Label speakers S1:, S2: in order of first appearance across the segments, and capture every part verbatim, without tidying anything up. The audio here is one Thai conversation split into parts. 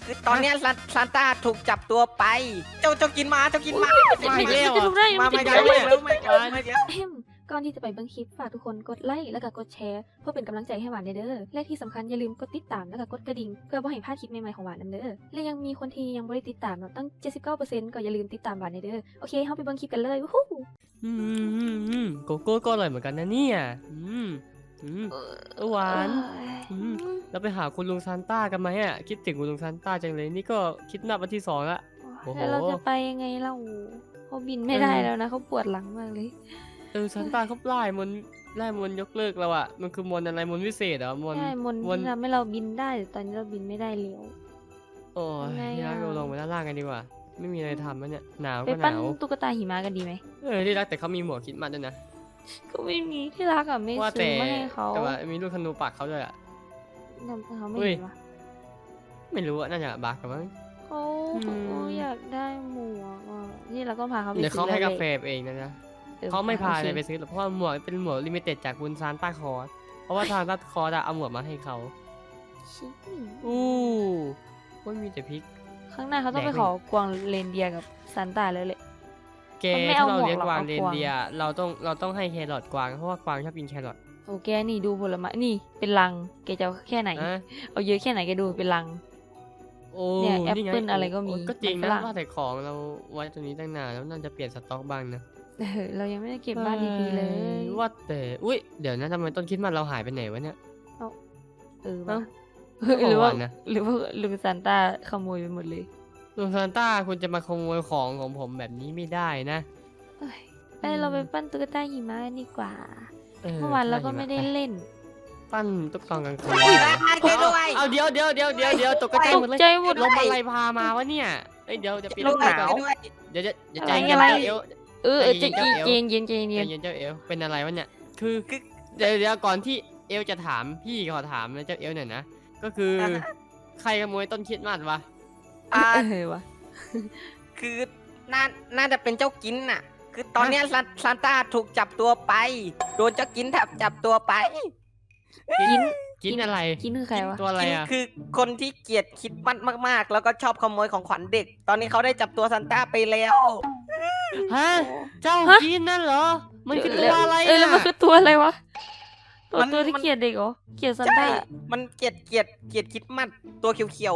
S1: คือตอนเนี้ยซานซานต้าถูกจับตัวไป เจ้าเจ้ากินมาเจ้ากินมา
S2: มาอีกแล้ว
S3: จะ
S2: อ่ะ
S3: รู้ได้
S1: มา
S3: มัน
S1: ไม่
S3: จะ
S1: ได้
S3: รู้
S1: ไม่
S3: ได้
S1: แล้วไม่แล้วไม่แล้ว
S3: เอ็มก่อนที่จะไปเบิ่งคลิปฝากทุกคนกดไลค์แล้วก็กดแชร์เพื่อเป็นกำลังใจให้หวานเด้อและที่สำคัญอย่าลืมกดติดตามแล้วก็กดกระดิ่งเพื่อบ่ให้พลาดคลิปใหม่ๆของหวานนำเด้อและยังมีคนที่ยังบ่ได้ติดตามเนาะตั้ง เจ็ดสิบเก้าเปอร์เซ็นต์ ก็อย่าลืมติดตามหวานเด้อโอเคเฮาไปเบิ่งคลิปกันเลยวู้ฮู้
S2: อืมอืมอืมโกโก้ก็อร่อยเหมือนกันนะเนี่ยอืมอืมเออหวาน อืม เราไปหาคุณลุงซานต้ากันไหมอ่ะคิดถึงคุณลุงซานต้าจังเลยนี่ก็คิดนับวันที่สองละ โอ้โห
S3: แล้วเราจะไปยังไงเล่าเขาบินไม่ได้แล้วนะเขาปวดหลังมากเลย
S2: เออซานต้าเขาไล่มนต์ไล่มนต์ยกเลิกแล้วอ่ะมันคือมนต์อะไรมนต์วิเศษเหรอมนต์
S3: ใช่มนต์
S2: มนต์
S3: ที่ทำให้เราบินได้แต่ตอนนี้เราบินไม่ได้แล้ว
S2: โอ้ย
S3: ทำไง
S2: ที่รัก
S3: อะ
S2: เราลงไปด้านล่างกันดีกว่า ไม่มีอะไรทำแล้วเนี่ยหนาว
S3: ไป
S2: ก็ห
S3: ปั้น
S2: นาว
S3: ตุ๊กตาหิมะกันดีไหม
S2: เออที่รักแต่เขามีหมวกคิดมาด้วยนะ
S3: ก็ไม่มีที่รักอ่ะไม่
S2: ว่า
S3: ซื้
S2: แต่
S3: อมาให้เขา
S2: แต่ว่ามีลูกธนูปักเขาด้วยอ่ะ
S3: ทำไมเขาไม่
S2: เฮ้ย
S3: เห็นวะ
S2: ไม่รู้อะน่าจะบักกันมั้ง
S3: เขา
S2: อืม
S3: เขาอยากได้หมวกอ่ะนี่เราก็พาเขาไป
S2: เดี๋ยวเขา
S3: ซื้อ
S2: ให้
S3: ล
S2: กาแฟเองนะนะ
S3: ออ
S2: เขาไม่พา
S3: โอค
S2: เลยไปซื้อหรอกเพราะว่าหมวกเป็นหมวกลิมิเต็ดจากบุญซานต้าคอร์สเพราะว่าซานต้าคอร์สอะเอาหมวกมาให้เขา
S3: ชิบ
S2: อู้ว่ามีแต่พริก
S3: ข้างหน้าเขาต้องไป
S2: แดก
S3: ขอกวางเรนเดียร์กับซานต้าแล้วแหละ
S2: แก
S3: มันไม่
S2: ถ้า
S3: เอา
S2: เรา
S3: หมวก
S2: เลี้ยง
S3: หรอก
S2: กวาง
S3: เอา
S2: เร
S3: ก
S2: น
S3: วาง
S2: เดียร์เราต้องเราต้องให้แครอทกวางเพราะว่ากวางชอบกินแครอท
S3: โอ้แกนี่ดูผลไม้นี่เป็นลังแกจะเอาแค่ไหน
S2: นะ
S3: เอาเยอะแค่ไหนแกดูเป็นลัง
S2: โอ้
S3: เนี่ยแอป
S2: ไง
S3: เปิ้ลอะไรก็มี
S2: โก็จริง
S3: มันฝ
S2: นะ
S3: รั่ง
S2: ว่าแต่ของเราไว้ตรงนี้ตั้งนานแล้วน่าจะเปลี่ยนสต็อกบ้างนะ
S3: เออเรายังไม่ได้เก็บบ้านดีๆเลย
S2: ว่าแต่อุ้ยเดี๋ยวนะทำไมต้นคริดมันเราหายไปไหนวะเนี่ย
S3: เออ
S2: เอ้า
S3: วะหรือว่า
S2: ของหวานนะ
S3: หรือว่าลุงซานต้าขโมยไปหมดเลย
S2: ลุงซานต้าคุณจะมาขโมยของของผมแบบนี้ไม่ได้นะ
S3: เอ้ยไปเราไปปั้นตุ๊กตาหิมะกันดีกว่า
S2: เออ
S3: เมื่อวานเราก็ไม่ได้
S2: ป
S3: เล่น
S2: ปั้นตุ๊กตากังคืน
S1: อุ้ยได้ช่วยด้วย
S2: เอาเดี๋ยวเดี๋ยวเดี๋ยวเดี๋ยวเดี๋ยวตกใจ
S3: ต
S2: หม
S3: ก
S2: ดเลย
S3: ใจหมด
S2: ลมอะไรพามาวะเนี่ยเอ้ยเดี๋ยวจะปิด
S1: ลูก
S2: ไฟ
S1: หนา
S2: ก่อน
S1: วด้วย
S2: เดี๋ยวจะอย่า
S3: อะไร
S2: ใจเย็น
S3: อะไร
S2: เจ้าเอว
S3: เออเออ
S2: ใจ
S3: จะ
S2: เย็น
S3: เย็น
S2: เจ้า
S3: เย็น
S2: เอ
S3: เย็น
S2: ใจ
S3: เย็น
S2: เย็นเจ้าเอวเป็นอะไรวะเนี่ยคือเดี๋ยวเดี๋ยวก่อนที่เอวจะถามพี่ขอถามนะเจ้าเอวหน่อยนะก็คือใครขโมยต้นคริดมัดวะ
S1: อ่า
S3: เออวะ
S1: คือน่าน่าจะเป็นเจ้ากินน่ะ คือตอนเนี้ยซานซานต้าถูกจับตัวไป โดนเจ้ากินแทบจับตัวไป
S3: กิน
S2: กินอะไร
S3: กินคือใครวะ
S2: ตัวอะไร
S1: กิน
S2: อ่ะ
S1: คือคนที่เกลียดคิดมัดมากๆ แล้วก็ชอบขโมยของขวัญเด็ก ตอนนี้เขาได้จับตัวซานต้าไปแล้ว
S2: ฮะเจ้ากินนั่นเหรอมันคือตัวอะไร
S3: เออแล้วมัน
S2: น่ะ
S3: คือตัวอะไรวะตัว
S1: มัน
S3: ตัวที่
S1: มัน
S3: เกลียดเด็กเหรอเกลียดซาน
S1: ใช่
S3: ต้า
S1: มันเกลียดเกลียดเกลียดคิดมัดตัวเขียว
S2: เขียว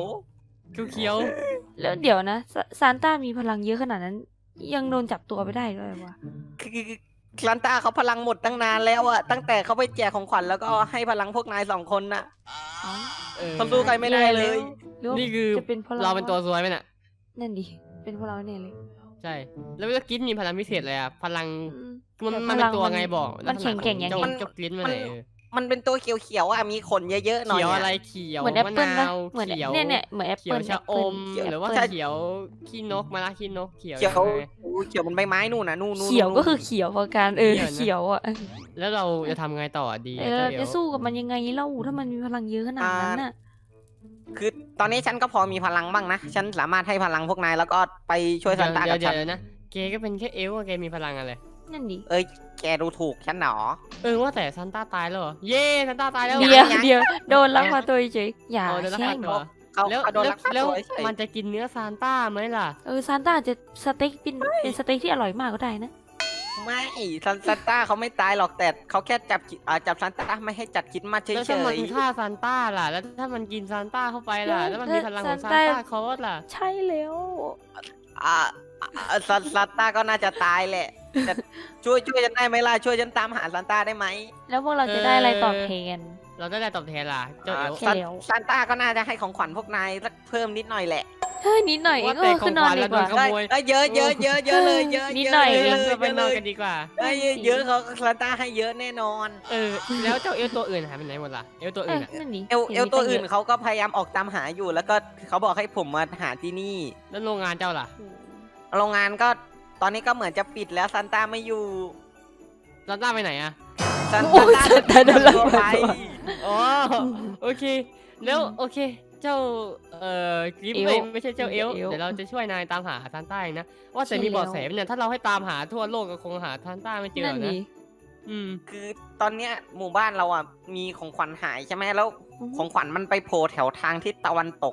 S3: แล้วเดี๋ยวนะซาซานต้ามีพลังเยอะขนาดนั้น ยังโดนจับตัวไปได้ด้วยวะ
S1: ๆคือคือซานต้าเขาพลังหมดตั้งนานแล้วอะตั้งแต่เขาไปแจกของขวัญแล้วก็ให้พลังพวกนายสองคนน่ะ
S3: เอ้า
S2: เออ
S1: เขาสู้ใครไม่ได้เลย
S3: หรือว่า
S2: นี่คือ
S3: จะเป็นเพราะ
S2: เราเป็นตัวซวยไหมน่ะ
S3: นั่นดิเป็นเพราะเราเนี่ยเลย
S2: ใช่ แล้วก็กินมีพลังพิเศษเลยอ่ะพลัง
S3: อืม
S2: มัน
S3: แต่
S2: มัน
S3: พ
S2: เป็
S3: ลั
S2: น
S3: ง
S2: ตัว
S3: มัน
S2: ไงบอก
S3: มันแข็งแกร่งยังไง
S2: เจ้าเจ้ากลิ้นมาไหนเออ
S1: มันเป็นตัวเขียวๆอะมีขนเยอะๆหน่อย
S2: เขียว
S1: อะ
S2: อะไรเขียว
S3: เหมือนแอป
S2: มะ
S3: เปิ้ล
S2: นา
S3: นะ
S2: ว
S3: เหมือน
S2: เขียว
S3: เนี่ยเนี่ยเหมือนแอป
S2: เขีย
S3: เปิ้
S2: ว
S3: ล
S2: ชะอม
S1: เขียว
S2: หรือว่า
S1: ใช่
S2: เขียวขี้นกมะระขี้นกเขียว
S1: เขียว
S2: ใช่ไหม
S1: โอ้เขียวมันใบไม้นู่นน่ะนู่นนู่น
S3: เขียว
S1: นู่น
S3: ก็คือเขียวพอการเออ
S2: เขียวนะ
S3: เขียวอ่ะ
S2: แล้วเราจะทำไงต่อดี
S3: เอ
S2: อะ
S3: อ
S2: เจ้า
S3: เรา
S2: เอ๋
S3: จะ
S2: ว
S3: สู้กับมันยังไงเล่าถ้ามันมีพลังเยอะขนาดนั้นน่ะ
S1: คือตอนนี้ฉันก็พอมีพลังบ้างนะ ฉันสามารถให้พลังพวกนายแล้วก็ไปช่วยซานต้า
S2: เดี๋
S1: กั
S2: ยว
S1: บ
S2: เดี๋ย
S1: ฉั
S2: วน เดี๋ยวนะเกก็เป็นแค่เอลอะแกมีพลังอะไร
S3: นั่นดิ
S1: เอ้ยแกดูถูกฉันหนอ
S2: เออว่าแต่ซันต้าตายแล้วเหรอ เย้ซันต้าตายแล้ว
S3: เดี๋ยว
S1: ยัง
S3: เดี๋ยวโดนลักพาตัวเฉยอย่า
S2: เอาเดี๋ยวลัก
S3: แช่
S2: พาง ตัว
S1: เขา
S2: แล้ว
S1: เขาโดน
S2: แล้ว
S1: ลักพา
S2: แล้ว
S1: ตัวเฉย
S2: มันจะกินเนื้อซานต้าไหมล่ะ
S3: เออซานต้าอาจจะสเต็กเป็นเป็นสเต็กที่อร่อยมากก็ได้นะ
S1: ไม่ซานซานต้าเขาไม่ตายหรอกแต่เขาแค่จับคิอ่าจับซานต้าไม่ให้จัดคิดมาเฉ
S2: แล้วถ้ามัน
S1: ย
S2: ฆ่าซานต้าล่ะ แล้วถ้ามันกินซานต้าเข้าไปล่ะ แล้วมันมีพลังของซาน
S3: ซานต้า
S2: ต้าคอร์สล่ะ
S3: ใช่แล้ว
S1: ๆอ่าอ่าซานซานต้าก็น่าจะตายแหละแต่ช่วยช่วยฉันได้ไหมล่ะช่วยฉันตามหาซานต้าได้ไหม
S3: แล้วพวกเราจะได้อะไรตอบแทน
S2: เราได้อะไรตอบแทนล่ะ เจ้าเอล
S3: ใช่
S1: ซาน
S3: แล้ว
S1: ซานต้าก็น่าจะให้ของขวัญพวกนายสักเพิ่มนิดหน่อยแหละ
S3: เฮ้ยนิดหน่อยเอง
S2: ว่า
S3: เอ
S2: แต่
S3: อ
S2: ข
S3: คื
S2: อง
S3: อนอน
S2: ขวัญ
S3: ดี
S2: เรา
S3: ก
S2: โด
S3: ว่า
S2: นขโมย
S1: เอ้ยเยอะเยอะเยอะเยอะเลยเยอะ
S3: นิดหน่อย
S1: เย
S2: เอ
S1: อะ
S2: อ
S1: เลย
S2: เราไป
S1: เยอะ
S2: น
S1: เล
S2: อน
S1: ย
S2: กันดีกว่า
S1: เอ้ยเยอะเขาซานต้าให้เยอะแน่นอน
S2: เออ แล้วเจ้าเอลตัวอื่นหายไปไหนหมดล่ะ เอลตัว
S3: เอ
S2: อื่
S3: อน
S2: อะ
S3: นั่นดิ
S1: เอล
S3: ห็
S1: เอลตัวอื่น
S3: มี
S1: เขาก็พยายามออกตามหาอยู่ แล้วก็เขาบอกให้ผมมาหาที่นี่
S2: แล้วโรงงานเจ้าล่ะ
S3: ตั้งเยอะ
S1: โรงงานก็ตอนนี้ก็เหมือนจะปิดแล้วซานต้าไม่อยู่
S2: ซานต้าไปไหนอะ
S1: ซาน
S3: โอ้ย
S1: ต้า
S3: ซานต้าโดนลัก
S1: ตัว
S3: พา
S1: ไป
S3: ตัว
S2: อ๋อ โอเค แล้วโอเค เจ้า เอ่อกริฟ
S3: เอล
S2: เอ้ยไม่ใช่เจ้าเอล
S3: เอล
S2: เดี๋ยวเราจะช่วยนายตามหาซานต้าเองนะ ว่าแต่มีเบาะแสไหมเนี่ย ถ้าเราให้ตามหาทั่วโลกก็คงหาซานต้าไม่เจอ
S3: นั่น
S2: นะ
S3: ดิ
S2: อืม
S1: คือตอนเนี้ยหมู่บ้านเราอ่ะมีของขวัญหายใช่ไหมแล้วของขวัญมันไปโผล่แถวทางทิศตะวันตก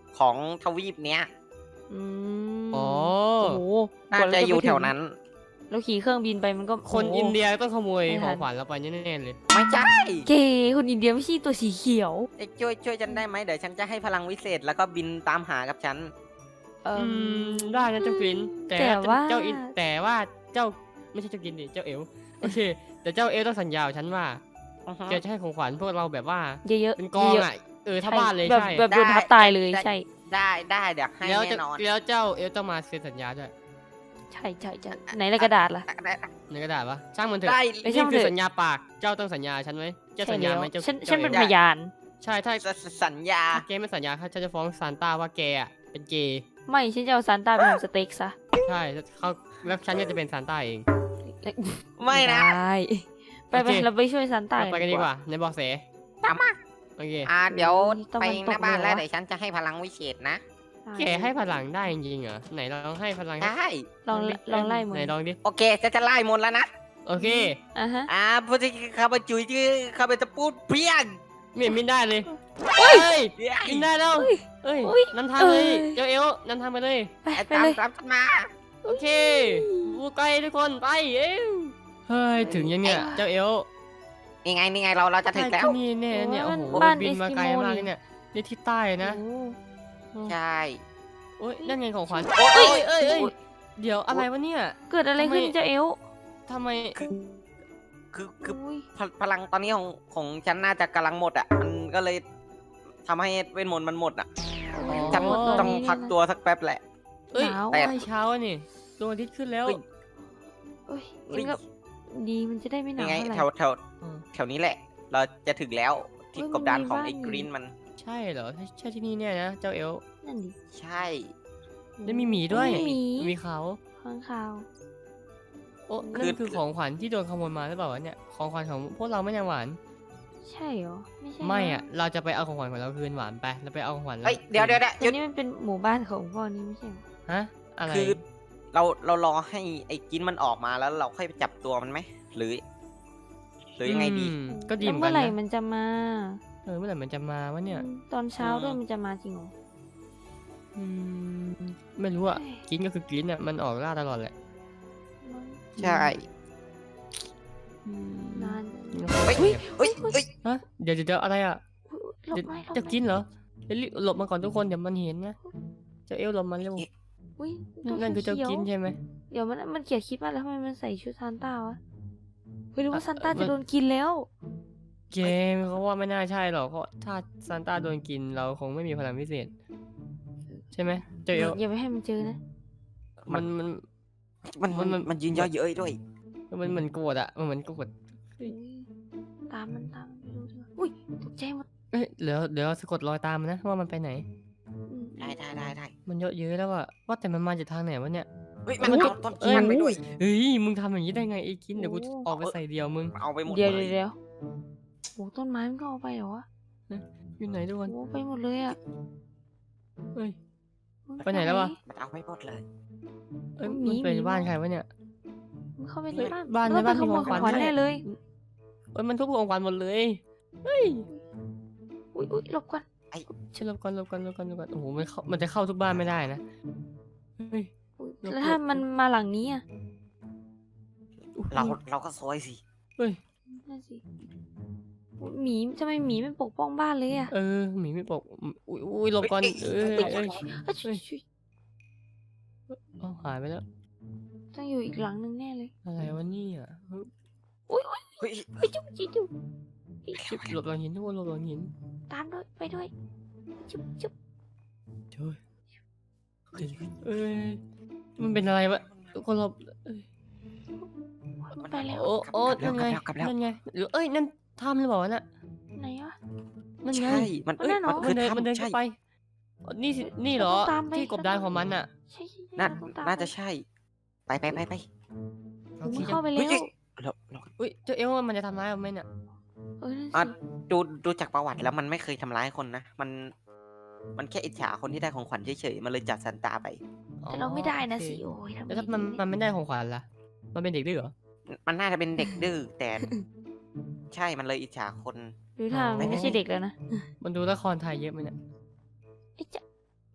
S1: ของทวีปเนี้ย
S4: อืม
S2: อ๋อ
S4: โอ้โห
S1: น่าก
S4: ว่เร
S1: จะอยู่
S4: ไป
S1: แถ
S4: ถึ
S1: ว
S4: ง
S1: นั้น
S4: แล้วขี่เครื่องบินไปมันก็
S2: คน
S4: โโห
S2: อินเดียต้องขโมย
S4: ไม่
S2: ข
S4: ทั
S2: อน งขวัญเราไปแน่ๆเลย
S1: ไม่ใช่
S4: เกคนอินเดียไม่ใช่ตัวสีเขียว
S1: เอ้ยช่วยช่วยฉันได้ไหมเดี๋ยวฉันจะให้พลังวิเศษแล้วก็บินตามหากับฉัน
S4: เอ่
S2: อื
S4: ม
S2: มได้นะเจ้ากลินแต่
S4: แต่ว่า
S2: เจ้าอินแต่ว่าเจ้าไม่ใช่เจ้ากลินดิเจ้าเอลโอเค แต่เจ้าเอลต้องสัญญากับฉันว่า
S1: อือฮะ
S2: แกจะให้ของขวัญพวกเราแบบว่า
S4: เยอะๆ
S2: เป็นกอง
S4: เยอะ
S2: อ่ะเออ
S4: ๆ
S2: ถ้า
S4: ใช่
S2: บ้านเลย
S4: แบบ
S2: ใช่
S4: แบบโดน
S1: ได้
S4: ทับตายเลย
S1: ได้
S4: ใช่
S1: ได้ได้เดี๋ยวให้
S2: แล้วจะ
S1: แน่นอน
S2: แล้วเจ้าเอลต้องมาเซ็นสัญญาด้วย
S4: ใช่ใช่ใช่ไหนละกระดาษล่ะ
S1: ได้ได้
S2: ในกระดาษปะช่างมันเถอะ
S1: ได้
S4: ไม่
S2: นี่
S4: ช่าง
S2: คือ
S4: เถอะ
S2: สัญญาปากเจ้าต้องสัญญาฉันไหมเจ้า
S4: ใช่
S2: สัญญา
S4: แล้ว
S2: ไหมเจ้า
S4: ฉัน
S2: จ้า
S4: ฉันเป็น
S2: อล
S4: พยาน
S2: ใช่ถ้า
S1: สสสัญญา
S2: ถ้าแกไม่สัญญาฉันจะฟ้องซานต้าว่าแกอ่ะเป็นเกย์
S4: ไม่ฉันจะเอาซานต้าไปทำสเต็กซะ
S2: ใช่เขาแล้วฉันก็จะเป็นซานต้าเอง
S1: ไม่นะ
S4: ได้ไป
S2: โอ
S4: ไป
S2: เค
S4: เราไปช่วยซานต้า
S2: เราไปกันดีกว่าในบอกเส
S1: ตามมา
S2: โอเค
S1: อ่าเดี๋ยว
S4: ตะ
S1: ไป
S4: วัน
S1: ห
S4: ต
S1: น้าก บ้าน
S4: เลย
S1: แล้ว
S4: เหรอ
S1: เดี๋ยวฉันจะให้พลังวิเศษนะ
S2: แกให้พลังได้จริงๆเหรอไหนลองให้พลัง
S1: ได้
S4: ลองลองไล่มือ
S2: ไหนลองดิ
S1: โอเคจะจะไล่มนต์แล้วนะ
S2: โอเค
S4: อ่ะฮะ
S1: อ่าพูดที่ข้าพจุยที่ข้าพจะพูดเพียง
S2: ไม่เห็นมินได้เลยเฮ้ย
S1: เฮ้ย
S2: มินได้แล้วเอ้ย
S4: อุ๊ย
S2: นำทางเลย
S4: เอ้ย
S2: เจ้าเอลนำทางไปเลย
S4: ไป
S1: ไอ้
S4: ไป
S1: ตาม
S4: เลย
S1: ตามฉันมา
S2: โอเคบูไกลทุกคนไปเอ้ยเฮ้ยถึงยังเนี่ยเจ้าเอล
S1: นี่ไงนี่ไงเราเราจะถึงแล้ว
S2: ที่นี่เนี่ยเนี่ย
S4: โอ้
S2: โอ้
S4: ย
S2: โห
S4: บ้าน
S2: บินมาไกล
S4: เอสกิโม
S2: มาก
S4: นี่
S2: เลยเนี่ยนี่ที่ใต้นะ
S4: โอ้
S1: ใช่
S2: โอ้ยนั่นไงของขวัญ
S1: โอ้ย
S2: เอ้ยเอ้ยเอ้ยเดี๋ยวอะไรวะเนี่ย
S4: เกิดอะไรขึ้น
S2: ทำไม
S4: เจ้าเอล
S2: ทำไม
S1: คือคือคือ
S4: อุ้ย
S1: พลพลังตอนนี้ของของฉันน่าจะกำลังหมดอ่ะ มันก็เลยทำให้เวทมนต์มันหมดอ่ะ
S2: อ๋อ
S1: ฉัน
S4: หมด
S1: ต้อง
S4: นี้
S1: พักตัวสักแป๊บแหละ
S2: เอ้ย
S4: หนาว
S1: แต่
S2: ใกล้เช้าอะนี่ดวงอาทิตย์ขึ้นแล้ว
S1: เฮ้ย
S4: อุ้ย
S1: เฮ้ย
S4: งั้นก็ดีมันจะได้ไม่หนา
S1: นี่
S4: ว
S1: ไง
S4: เท่าไหร่
S1: แถวแถว
S2: อ๋อ
S1: แถวนี้แหละ เราจะถึงแล้วที่
S4: เฮ้ย
S1: กบดาน
S4: มันมี
S1: ของ
S4: บ้าน
S1: ไอ้
S4: อยู่
S1: กรีนมัน
S2: ใช่เหรอใช่ใช่ที่นี่เนี่ยนะเจ้าเอล
S4: นั่นดิ
S1: ใช่
S2: แล้วมีหมีด้วย
S4: มีหมี
S2: มีเขา
S4: ข้างคาว
S2: โอ้นั่นคือของขวัญที่โดนขโมยมาหรือเปล่าวะเนี่ยของขวัญของพวกเราไม่ยังหวาน
S4: ใช่เหรอไม่ใช่
S2: ไม่
S4: น
S2: อ่ะเราจะไปเอาของขวัญของเราคืนหวานไปเราไปเอาของขวัญรา
S1: เฮ้ยเดี๋ยวเดี๋ยวเดี๋ยว
S4: แต่นี่มันเป็นหมู่บ้านของพ่อนี่ไม่ใช่เหรอ
S2: ฮะอะไร
S1: คือเราเรารอให้ไอ้กินมันออกมาแล้วเราค่อยไปจับตัวมันไหมหรือ หรือยังไงดี
S2: มก็ดี
S4: แล้ว
S2: เหมือน
S4: เมื่
S2: กั
S4: อน ไหร่
S2: นะ
S4: มันจะมา
S2: เออเมื่อไหร่มันจะมาวะเนี่ย
S4: อืมตอนเช้า
S1: อืม
S4: ด้วยมันจะมาจริงเหรอ
S2: อืมไม่รู้อ่ะ
S4: เฮ้ย
S2: กินก็คือกินอ่ะมันออกล่าตลอดแหละ
S1: ใช่
S2: อืม
S4: นาน
S1: เฮ้ยเฮ้ยเฮ้ย
S2: ฮะเดี๋ยวเดี๋ยวเดี๋ยวอะไรอ่ะ
S4: หลบ
S2: เดี๋ยว
S4: ไม่หลบ
S2: จะ
S4: ไม่
S2: กินเหรอเดี๋ยวรีบหลบมาก่อนทุกคนเดี๋ยวมันเห็นนะเจ้าเอลหลบมาเร็ว
S4: อุ้ยตัว
S2: นั่นคือเจ้า
S4: ขียว
S2: กินใช่ไหม
S4: เดี๋ยวมันมันเขียนคลิปมาแล้วทำไมมันใส่ชุดซานต้าวะเฮ้ยหรือว่า
S2: อ่ะ
S4: ซานต้า
S2: มั
S4: จะ
S2: น
S4: โดนกินแล้ว
S2: เกมเขาว่าไม่น่าใช่หรอกเพราะถ้าซานต้าโดนกินเราคงไม่มีพลังพิเศษ ใช่ไหมเจ้าเอล
S4: อย่าไปให้มันเจอนะ
S2: มันมัน
S1: มันมัน
S2: มัน
S1: มันยืนย่อเย้ยด้วย
S2: มันเหมือนโกรธอ่ะมันเหมือนโกรธ
S4: อุ๊ยตามมันตามมันไปดูดีกว่าอุ้ยตกใจหมด
S2: เอ้ยเดี๋ยวเดี๋ยวสะกดรอยตามมันนะว่ามันไปไหน
S4: อืม
S1: ได้ได้ได้ได้
S2: มันเยอะเยอะแล้วอะว่าแต่มันมาจากทางไหนวะเนี่ย
S1: เฮ้ยมัน
S2: มัน
S1: เอาต้นกินมันไปด้วย
S2: เฮ้ยมึงทำอย่างนี้ได้ไงไอ้กินเดี๋ยวกูออกไปใส่เดียวมึง
S1: เอาไปหมด
S4: เดี๋ยว
S1: เล
S4: เดี๋ยวย เดี๋ยวโอ้ต้นไม้มันก็เอาไปเหรอวะ
S2: อยู่ไหนทุกคน
S4: โอ้ไปหมดเลยอ่ะ
S2: เฮ้ย
S4: มึง
S2: ไปไหนแล้ววะ
S1: มันเอาไปหมดเลย
S2: เอ้ย
S4: หมี
S2: มันเป็น
S4: หมี
S2: บ้านใครวะเนี่ย
S4: มึงเข้าไปใน
S2: เฮ้ย
S4: บ้าน
S2: บ้าน
S4: แล้ว
S2: ในบ้าน
S4: ไปขโมย
S2: มี
S4: ข
S2: ข
S4: อ
S2: อง ง
S4: ข
S2: ขวั
S4: วัญ
S2: ญ
S4: แน่เลย
S2: เอ้ยมันทุบของขวัญหมดเลยเฮ้ย
S4: อุ้ยอุ้ยหลบก่อน
S2: ฉันหลบก่อนหลบก่อนหลบก่อนหลบก่อนโอ้โหมันเข้ามันจะเข้าทุกบ้านไม่ได้นะเฮ้ย
S4: อุ๊ย
S2: หลบ
S4: แล้วถ้ามันมาหลังนี้อ่ะ
S1: เราเราก็ซอยสิ
S2: เฮ้ย
S4: นั่นสิอุ๊ยหมีทำไมหมีมันปกป้องบ้านเลยอ่ะ
S2: เออหมีไม่ปกอุ้ยอุ้ยหลบก่อนเออเออ
S4: เอ้ยชุยชุย
S2: เอาหายไปแล้ว
S4: ต้องอยู่อีกหลังนึงแน่เลย
S2: อะไรวะเนี่ยเฮ้ย
S4: อุ้ยอุ้ย
S1: เฮ้ย
S4: เฮ้ยจุ๊บจิ๊บจุ๊บ
S2: ชิบหลบหลังหินทุกคนหลบหลังหิน
S4: ตามด้วยไปด้วยจุ๊บจุ๊บ
S2: เฮ้ยเอ้ยมันเป็นอะไรวะทุกคนหลบเอ้ย
S4: มันไปแล้ว
S2: โอ้โอ้นั่นไง
S1: กลับแล้ว
S2: นั่นไงหรือเอ้ยนั่นถ้ำหรือเปล่าวะน่ะ
S4: ไหนวะ
S2: นั่นไง
S1: ใช่ มัน
S4: มันแน่นอน
S1: มัน
S2: มั
S1: คื
S2: น
S1: อ
S2: เดิน
S1: ถ้ำ
S2: มันเดิน
S1: ใช่
S2: เข้าไปอ๋อนี่สินี่เหรอ
S4: เราต้องตามไป
S2: ที่กบดานของมันน่ะ
S4: ใช่ใช่ใช่
S1: น่า
S4: เราต้องตาม
S1: น่าจะ
S4: ไป
S1: ใช่ ไปไปไปไป
S4: โอ้มันเข้าไป
S1: เฮ้
S4: แล้
S1: ยว เราเรา
S2: อุ้ยเจ้าเอลมันจะทำร้ายเราไหมเนี่ย
S4: เออนั่น
S1: อ่ะ
S4: สิ
S1: ดูดูจากประวัติแล้วมันไม่เคยทำร้ายคนนะ มัน มันแค่อิจฉาคนที่ได้ของขวัญเฉยๆ มันเลยจัดซันตาไป
S4: แต่เราไม่ได้นะ
S2: โอเค
S4: สิโอ้ยทำไม
S2: แล้วถ้ามัน
S4: ถึง
S2: มันไม่ได้ของขวัญล่ะมันเป็นเด็กดื้อเหรอ
S1: มันน่าจะเป็นเด็กดื้อแต่ ใช่ มันเลยอิจฉาคน
S4: หรือถ้า
S2: อ๋อ
S4: มันไม่ใช่เด็กแล้วนะ
S2: มันดูละครไทยเยอะไหมเนี่ย
S4: ไอ้จ๊ะ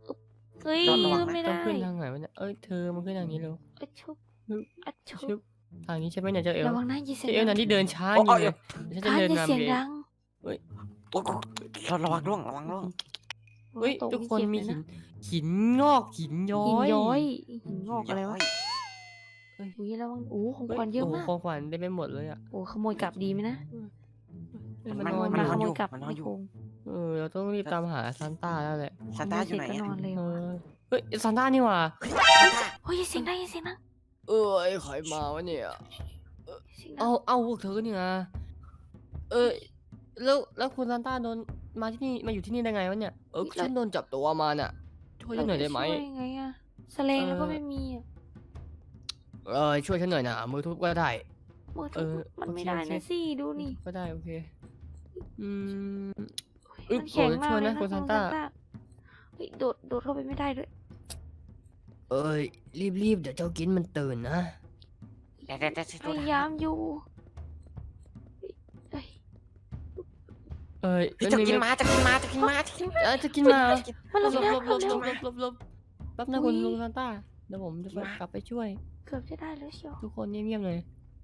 S4: เฮ้ย
S1: ระวังนะ
S4: ไม่
S2: ต้อ
S4: ได้
S2: งขึ้นทางไหนวะเนี่ยเอ้ยเธอมันขึ้นทางนี้เร็ว
S4: อะชุบ
S2: ฮึบ
S4: อะชุ
S2: ชึ
S4: บบ
S2: ทางนี้ใช่ไหมเนี่ยเจ้าเอล
S4: ระวังนะอย่าเสีย
S2: เจ้าง เอล
S4: ดั
S2: นั่น
S4: ง
S2: ที่เดินช้า
S1: โอ้
S2: จริง
S1: โอ้
S2: เลยเดี๋ยวฉันจะ
S4: ท่าน
S2: เดิน
S4: อย่าเสียง
S2: นำเอง
S4: ดัง
S1: โอ้โหเราระวังร่วงระวังร่วง
S2: เฮ้ย
S4: ตก
S2: ทุกคน
S4: เจ็บ
S2: มี
S4: เลย
S2: หิ
S4: นะ
S2: นหินงอกหินย้อ
S4: หิน
S2: ย
S4: ย้อยหินงอกอะไรวะ
S2: เฮ้ย
S4: อุ้ยระวังโอ้ของ
S2: เฮ้ย
S4: ขวัญเยอะ
S2: โอ้โห
S4: มาก
S2: ของขวัญได้ไปหมดเลยอ่ะ
S4: โอ้ขโมยกลับดีไหมนะ
S2: เฮ้ย
S1: มั
S2: มัน น
S1: น
S2: นอน
S1: มัน
S2: อน
S4: ข
S2: ยู่
S4: โมยกลับ
S1: มันนอน
S4: ใน
S1: อยู่
S4: โพรง
S2: เออเราต้องรีบตามหาซานต้าแล้วแหละ
S1: ซานต้าอยู่ไหน
S4: ขโมเสร็จก็นอนเลย
S2: เอ
S4: ว่ะ
S2: อเฮ้ยซานต้านี่หว่า
S4: โอ้ยอย่าเสียงดังอย่าเสียงดัง
S2: เอ้ยใครมาวะเนี่ย
S4: เสียงดั
S2: เอา
S4: ง
S2: เอาพวกเธอเนี่ยนะเออแล้วแล้วคุณซานต้าโดนมาที่นี่มาอยู่ที่นี่ได้ไงวะเนี่ยเออฉันโดนจับตัวมาน่ะช่วยฉันหน่อยได้ไหม
S4: ช่วยยังไงอะแสลงแล้วก็ไม่มีอะ
S2: เออช่วยฉันหน่อยนะมือทุบก็ได้
S4: มือ
S2: เอ
S4: ถือ
S2: อ
S4: มัน
S2: โอเค
S4: ไม่ได้
S2: โอเค
S4: นะสิดูนี่
S2: ก็ได้โอเคอืม
S4: โอ้ย
S2: อึ๊บ
S4: มันแข็ง
S2: โอ้ย
S4: มาก
S2: ช่วย
S4: เลย
S2: นะ
S4: นะ
S2: คุณ
S4: คุ
S2: ซา
S4: ณ
S2: น
S4: ซาน
S2: ต้า
S4: ต้าเฮ้ยโดดโดดเข้าไปไม่ได้ด้วย
S2: เอ้ยรีบรีบเดี๋ยวเจ้ากินมันตื่นนะ
S1: แต่แต่แต่
S4: พยายามอยู่เฮ้ย
S2: เอ้ย
S1: เฮ้ยจะกินม้าจะกินม้าจะกินม้าจะกินม้า
S2: เอ้ยจะกินมา
S4: มัน
S2: หล
S4: ล
S2: บ
S4: ง
S2: หลบหลบ
S4: น้ำ
S2: หล
S4: แล้ว
S2: บหลบหลบหลบแป๊บนะคุณลุงซานต้าเดี๋ยวผมจะไปกลับไปช่วย
S4: เกือบจะได้แล้วเชียว
S2: ทุกคนเงียบๆเลย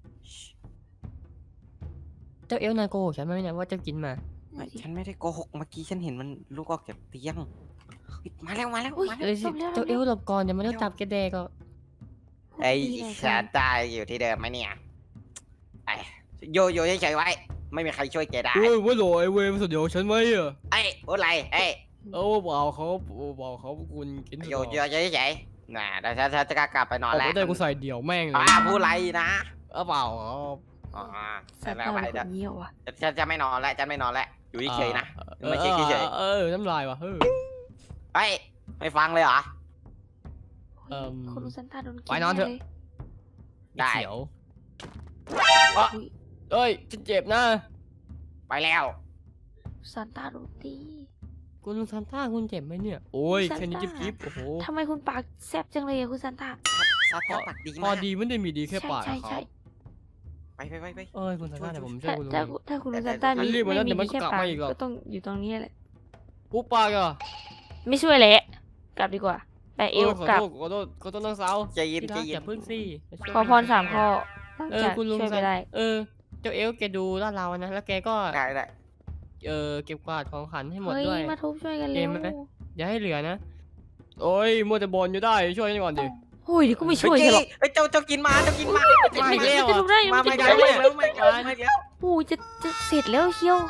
S2: เจ้าเอลนายโกหกฉันไหมเนี่ยว่าเจ้ากินมา
S1: ไม่ฉันไม่ได้โกหกเมื่อกี้ฉันเห็นมันลุกออกจากเตียงเฮ้ยมาแล้วมาแล้ว
S4: อุ้ย
S1: มาแล้ว
S2: เอ้ยสิ
S4: จบแล้ว
S2: เจ้าเอลหลบก่อนเดี๋ยวมันจะจับแกแดกก็
S1: ไอ้
S4: ดีเลย
S1: ซานต้าอยู่ที่เดิมไหมเนี่ยไอ้โยโย่เฉยๆไว้ ไม่มีใครช่วยแกได้
S2: เฮ้ยว่าหลอยเวมสุดเดียวฉันไหมอ่ะ
S1: ไอ้พูดอะไรเอ้ย
S2: เออเปล่าเขาเปล่าเขาคุณกิน
S1: โยโย่เฉยๆน่ะเดี๋ยวฉันฉันจะกลับไปนอน
S2: เอา
S1: แล้ว
S2: ไปได้กูใส่เดี่ยวแม่งเลย
S1: อ่าพูดอะไรนะ
S2: เออเปล่าครับ
S1: อ๋อ
S4: ซา
S1: แต่
S4: น
S1: ไม่
S4: ต้า
S1: ไป
S4: เป็นคนเยี่ยวอ่ะ
S1: ฉันจะไม่นอนแล้วฉันไม่นอนแล้วอยู่เฉยๆนะ
S2: เออ
S1: ไม่ใช่เฉยๆ
S2: เออเออน้ำลายว่ะเฮ้ย
S1: เฮ้ยไม่ฟังเลยเหรอ
S2: เอิ่ม
S4: คุณซานต้าโดนกิ
S2: ไปนอนเถอะ
S4: ลย
S1: ได้
S2: เขียว
S1: อ๋อ
S4: อุ๊ย
S2: เอ้ยฉันเจ็บนะ
S1: ไปแล้ว
S4: ซานต้าโดนตี
S2: คุณลุงซานต้าคุณเจ็บไหมเนี่ยโอ้ย
S4: ซานต้า
S2: แค่นี้จิ๊บจิ๊บโอ้โห
S4: ทำไมคุณปากแซบจังเลยอะคุณซานต้า
S1: ซาต้าปากดี
S2: พอ
S1: มาก
S2: ดีไม่ได้มีดีแค่
S4: ใช่
S2: ปาก
S4: ใช่
S2: เขา
S4: ใช่
S1: ไปไปไปไป
S2: เอ้ยคุณซานต้าเดี๋ยวผมช่ว
S4: ถ้าย
S2: คุณลุง
S4: ถ้า
S2: เอง
S4: ถ้าคุณซานต้า
S2: ฉั
S4: มี
S2: นรีบมาแล้ว
S4: ไม่
S2: เดี๋ยวมั
S4: มี
S2: นก็
S4: แค่
S2: กลับ
S4: ปาก
S2: มาอีกหรอก
S4: ก็ต้องอยู่ตรงนี้แหละ
S2: ปุ๊บปากอ่ะ
S4: ไม่ช่วยแหละกลับดีกว่าแปะเอว
S2: เออขอก
S4: ลับ
S2: โทษขอโทษขอโทษน้องสาว
S1: ใจเย็น
S2: ที่
S1: ใจ
S2: รัก
S1: เย็
S2: อน ย่าพึ่งสิ
S4: ขอพรสามข้อต้อง
S2: เออ
S4: จะ
S2: คุณลุง
S4: ช่วยไป
S2: ซาน
S4: ได้
S2: เออเจ้าเอลแกดูลาดเรานะแล้วแกก็
S1: ได้ได้
S2: เออเก็บกวาดของขวัญให้หมด
S4: เฮ้ย
S2: ด้วย
S4: มาทุบช่วยกัน
S2: เก
S4: เร็
S2: ม
S4: ว
S2: ไหม อย่าให้เหลือนะโอ้ยมัวแต่บอลอยู่ได้ช่วยฉันก่อนดิ
S4: โอ้ยเดี๋ยวก็ไม่ช่วย
S1: เฮ้
S4: เธอหรอก
S1: เฮ้ยเจ้าเจ้ากินมาเจ้ากินมา
S2: มาอีกแล้ว
S4: จะ
S2: อ่ะ
S4: ทุบได้
S1: มา
S4: จะ
S1: ไม่
S4: ทุบ
S1: แล้ว
S4: ได้
S1: ไม่แล้วไม่แล้วไม่แล้ว
S4: โอ้ยจะจะเสร็จแล้วเชียว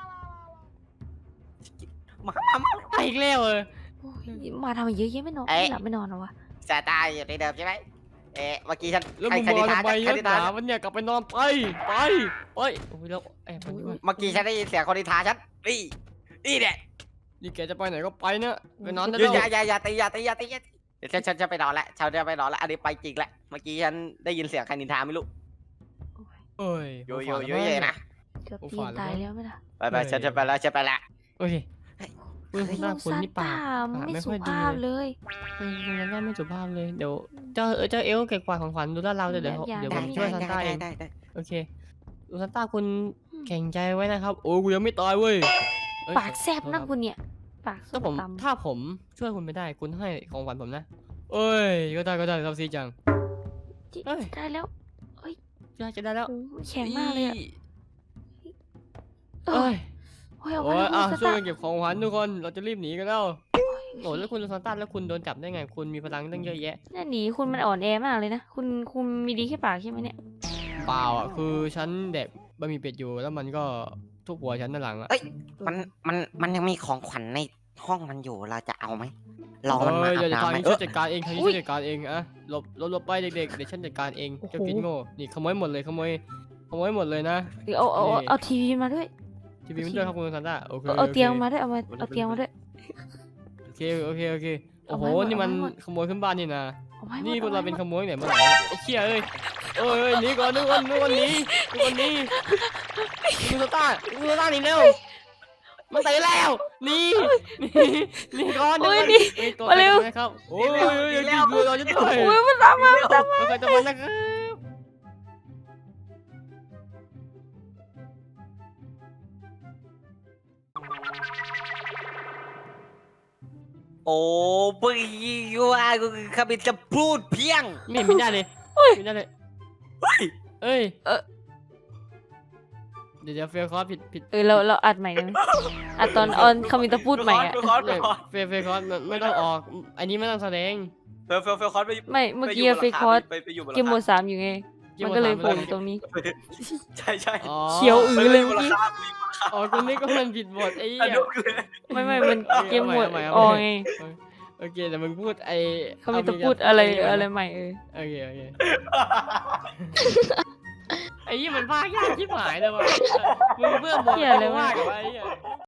S1: มามามา
S2: มาอีกแล้วเออ
S4: โอ้ยมาทำไมเยอะแยะไม่นอน
S1: เอ๊ะ
S4: ไม่หลับไม่นอนเหรอวะ
S1: ซาต้าอยู่ที่เดิมใช่ไหมเอ๊ะเมื่อกี้ฉัน
S2: แล้ว
S1: ใคร
S2: มึง
S1: ใคร
S2: มา
S1: นิทาน
S2: ทำไม
S1: ใคร
S2: นัก
S1: นิ
S2: ห
S1: ทาน
S2: นาวันเนี่ยกลับไปนอนไปไปไปโอ้ยแล้วแอบไปด้วย
S1: เมื่อกี้ฉันได้ยินเสียงคนนิทานฉันนี่นี่เนี่ย
S2: นี่แกจะไปไหนก็ไปเนอะไปนอนได้
S1: อย่า
S2: แล้ว
S1: อย่าอย่าตีอย่าตีอย่าตีอย่าตีเดี๋ยวฉันฉันจะไปนอนแล้วฉันจะไปนอนแล้วอันนี้ไปจริงแล้วเมื่อกี้ฉันได้ยินเสียงใครนินทาไม่รู้
S2: เอ้ย
S1: โยโย่โยเย่นะ
S4: เกือบ
S2: โอ้
S4: ตี
S2: ฝาน ด
S4: ตาย
S2: แล้ว
S4: แล้วไหมล่ะ
S1: ไปไปฉันจะไปแล้วฉันไปแล้ว
S2: โอเคคุณคุณหน้าคุณนี่ปาก
S4: ลุงซานต้า
S2: ปาก
S4: ไม่
S2: ไม่
S4: สุ
S2: ค่อยดี
S4: ภาพ
S2: เลย
S4: เลย
S2: เออคุณนั่นไม่สุภาพเลยเดี๋ยวเจ้าเออเจ้าเอลเก็บกวาดของขวัญดูลาดเราเดี๋ยวเดี๋ยว
S4: อย่า
S2: เดี๋ยว
S4: อ
S2: ผ
S4: ย่า
S2: ม
S1: ได้
S2: ช่วย
S1: ได้
S2: ซานต้าเอง
S1: ได้ได้
S2: โอเคดูซานต้าคุณแข็งใจไว้นะครับโอ้กูยังไม่ตายเว้ยเอ้ย
S4: ปากแซบนะคุณเนี่ย ปาก
S2: ถ้าผม
S4: ส้ตำ
S2: ถ้าผมช่วยคุณไม่ได้คุณให้ของขวัญผมนะเอ้ยก็ได้ก็ได้ครับซีจัง
S4: จิ
S2: เอ้ย
S4: ได้แล้ว
S2: จะจะได้แล้ว
S4: โอ้มันแข็งมากเลยอะ
S2: อี
S4: เอ
S2: เอ้
S4: อย โอ้ยเอา
S2: โอ้
S4: ไว้
S2: ย
S4: แล้ว
S2: อ่ะ
S4: คุณ
S2: ช่วย
S4: ซาน
S2: กันเก็บของขวัญทุกคนเราจะรีบหนีกันแล้ว
S4: ต้า
S2: โอ้แล้วคุณซานต้าแล้วคุณโดนจับได้ไง คุณมีพลังตั้งเยอะแยะ
S4: น่าหนีคุณมันอ่อนแอมากเลยนะ คุณคุณมีดีแค่ปากใช่ไหมเนี่ย
S2: เปล่าอ่ะคือฉันแดกบะหมี่เป็ดอยู่แล้วมันก็ทุบหัวฉันด้านหลังอ่ะ
S1: เอ้ยมันมันมันยังมีของขวัญในห้องมันอยู่เราจะเอาไหมรอมันมา
S2: เอ้ย
S1: อาบ
S2: เดี๋ยวทาง
S1: น้ำไหม
S2: นี้
S1: เอ
S2: ฉั
S1: อน
S2: จัดการเองทางนี้
S4: อุ๊ย
S2: ฉันจัดการเองอะหลบหลบหลบไปเด็กๆเดี๋ยวฉันจัดการเองเจ้ากินโง่นี่ขโมยหมดเลยขโมยขโมยหมดเลยนะ
S4: หรือเอาเอาเอา
S2: นี่
S4: เอาทีวีมาด้วย
S2: ทีวีมันด้วยครับคุณซานต้าโอเค
S4: เอาเอา
S2: โค
S4: เตียงมาด้วยเอามาเอาเตียงมาด้วย
S2: โอเคโอเคโอเคโอ้โห
S4: เอาไว้หมด
S2: นี่มัน
S4: เอาไว้หมด
S2: ขโมยขึ้นบ้านนี่นะ
S4: เอาไว้หมด
S2: นี่พวกเรา
S4: อไว้
S2: เป็น
S4: หมด
S2: ขโมยเนี่ยเมื่อไหร่ไอ้เชี่ยเอ้ยเอ้ยเอ้ยหนีก่อนนึกว่านึกว่าหนีนึกว่าหนีคุณซานต้าคุณซานต้าหนีเร็วมันไปแล้วหนีหนีหนีก่อน
S4: โอ้ย
S2: เดี๋
S4: นี่
S2: วก่อนเอ้ยตัว
S4: มาเร็ว
S2: ใครครับโอ้ยอย่ากินเรือเราจะตาย
S4: โอ้ยมันตามมามันตามมา
S2: ใครจะมานะครับ
S1: โโอ้เพิ่งว่ากูขมิจะพูดเพียง
S2: ไม่เห็นมีหน้าเลยมีหน้าเลยเอ้ย
S4: เออ
S2: เดี๋ยวเดี๋ยวเฟลคอร์สผิดผิด
S4: เออเราเราอัดใหม่ได้ไหมอัดตอนออนคามิตาพูดใหม่อะ
S1: เฟลคอร์สเฟ
S2: เล
S1: ล
S2: ย
S1: คอร์ส
S2: เฟลเฟลคอร์สมันไม่ต้องออก อันนี้ไม่ต้องแสดง
S1: เฟลเฟลเฟลคอร์สไป
S4: ไม่เมื่อกี้
S1: ไป
S4: เฟคคอร์ส
S1: ไปไปอยู่บนห
S4: เก
S1: ลั
S4: ม
S1: ง
S4: โหม
S1: คา
S4: ดสามอยู่ไง
S2: เกม
S4: มัน
S2: โหมด
S4: ก็เลย
S2: สาม
S4: โผล่
S2: เลย
S4: อยู่ตรงนี้
S1: ใช่ใช่
S2: อ๋อ
S4: เขียวอือเลยเมื่อกี้
S2: อ๋อกูนึกว่ามันผิดบทไอ้
S1: อัน
S2: เหี้ย
S1: นู้นเลย
S4: ไม่ไม่มันเกมโหมด
S2: เอาใหม่
S4: อ
S2: เอา
S4: อ
S2: ใหม่
S4: ไง
S2: โอเคแต่มึงพูดไอ้
S4: เขามีแต่พูดอะไรอะไรใหม่เออ
S2: โอเคโอเคไอ้ยี่มันพากยากชิบหายเลยว่ะมึงเบื่อหมด
S4: เหี้ยอะไรวะ
S2: ว่ากับไอ้เหี้ย